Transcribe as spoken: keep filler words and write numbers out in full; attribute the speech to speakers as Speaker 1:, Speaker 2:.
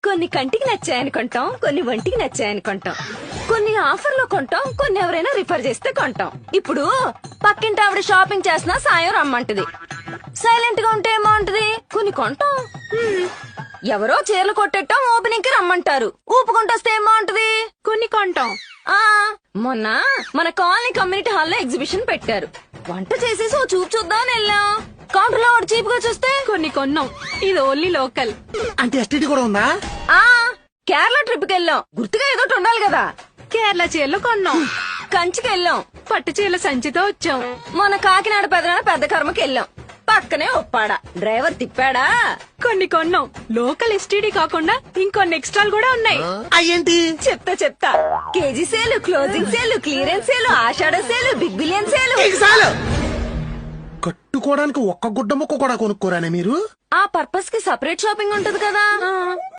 Speaker 1: కొన్ని కంటికి నచ్చాయని కొంటాం, కొన్ని ఒంటికి నచ్చాయని కొంటాం, కొన్ని ఆఫర్ లో కొంటాం, కొన్ని ఎవరైనా రిఫర్ చేస్తే కొంటాం. ఇప్పుడు పక్కింటి ఆవిడ షాపింగ్ చేసినా సాయం రమ్మంటది. సైలెంట్ గా ఉంటే ఏమంటది? కొన్ని కొంటాం. హ్మ్. ఎవరో చీరలు కొట్టేటం ఓపెనింగ్ కి రమ్మంటారు. ఊపుకుంటొస్తే ఏమంటది? కొన్ని కొంటాం. ఆ మొన్న మన కాలనీ కమ్యూనిటీ హాల్లో ఎగ్జిబిషన్ పెట్టారు. వంట చేసేసి ఓ చూపు చూద్దామని వెళ్ళాం. కౌంటర్ లో వాడు చీప్ గా చూస్తే కొన్ని కొన్నాం. ఇది ఓన్లీ లోకల్.
Speaker 2: అంటే ఎస్టీడీ కూడా ఉందా?
Speaker 1: ఆ కేరళ ట్రిప్ కి వెళ్ళాం. గుర్తుగా ఏదో ఉండాలి కదా. కేరళ చీరలు కొన్నాం. కంచికి వెళ్ళాం. పట్టు చీరల సంచితో వచ్చాం. మన కాకినాడ పెదనాడ పెద్ద కర్మకి వెళ్ళాం. పక్కనే ఒప్పాడా డ్రైవర్ తిప్పాడా. కొన్ని కొన్నాం. లోకల్ ఎస్టీడీ కాకుండా ఇంకొన్ని ఎక్స్ట్రాలు కూడా ఉన్నాయి.
Speaker 2: అయ్యేంటి?
Speaker 1: చెప్తా చెప్తా. KG sale, closing sale, clearance sale, ఆషాఢ సేలు, బిగ్ బిలియన్ సేలు.
Speaker 2: చాలు. కట్టుకోవడానికి ఒక్క గుడ్డ ముక్క కూడా కొనుక్కోరానే మీరు?
Speaker 1: ఆ పర్పస్ కి సపరేట్ షాపింగ్ ఉంటది కదా.